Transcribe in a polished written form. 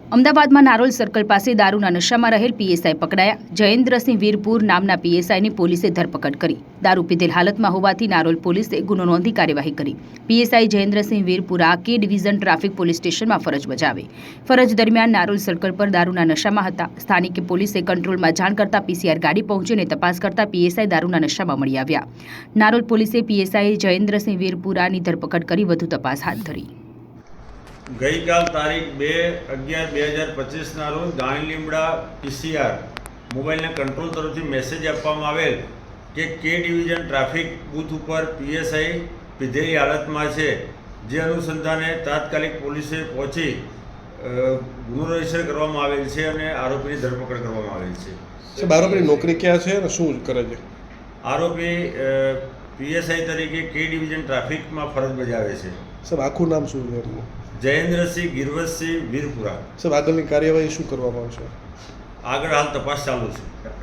અમદાવાદમાં નારોલ સર્કલ પાસે દારૂના નશામાં રહેલ પીએસઆઈ પકડાયા। જયેન્દ્રસિંહ વીરપુર નામના પીએસઆઈની પોલીસે ધરપકડ કરી। દારૂ પીધેલ હાલતમાં હોવાથી નારોલ પોલીસે ગુનો નોંધી કાર્યવાહી કરી। પીએસઆઈ જયેન્દ્રસિંહ વીરપુરા કે ડિવિઝન ટ્રાફિક પોલીસ સ્ટેશનમાં ફરજ બજાવે। ફરજ દરમિયાન નારોલ સર્કલ પર દારૂના નશામાં હતા। સ્થાનિકે પોલીસે કંટ્રોલમાં જાણ કરતા પીસીઆર ગાડી પહોંચીને તપાસ કરતા પીએસઆઈ દારૂના નશામાં મળી આવ્યા। નારોલ પોલીસે પીએસઆઈ જયેન્દ્રસિંહ વીરપુરાની ધરપકડ કરી વધુ તપાસ હાથ ધરી। ગઈકાલ તારીખ 2/11/2025ના રોજ ગાણી લીમડા પીસીઆર મોબાઈલના કંટ્રોલ તરફથી મેસેજ આપવામાં આવેલ કે કે ડિવિઝન ટ્રાફિક બૂથ ઉપર પીએસઆઈ પીધેલી હાલતમાં છે। જે અનુસંધાને તાત્કાલિક પોલીસે પહોંચી ગુનો રજીસ્ટર કરવામાં આવેલ છે અને આરોપીની ધરપકડ કરવામાં આવેલ છે। સાહેબ, આરોપીની નોકરી ક્યાં છે અને શું કરે છે? આરોપી પીએસઆઈ તરીકે કે ડિવિઝન ટ્રાફિકમાં ફરજ બજાવે છે। સાહેબ, આખું નામ શું છે એમનું? જયેન્દ્રસિંહ ગિરવતસિંહ વીરપુરા। સાહેબ, આગળની કાર્યવાહી શું કરવામાં આવશે? આગળ હાલ તપાસ ચાલુ છે।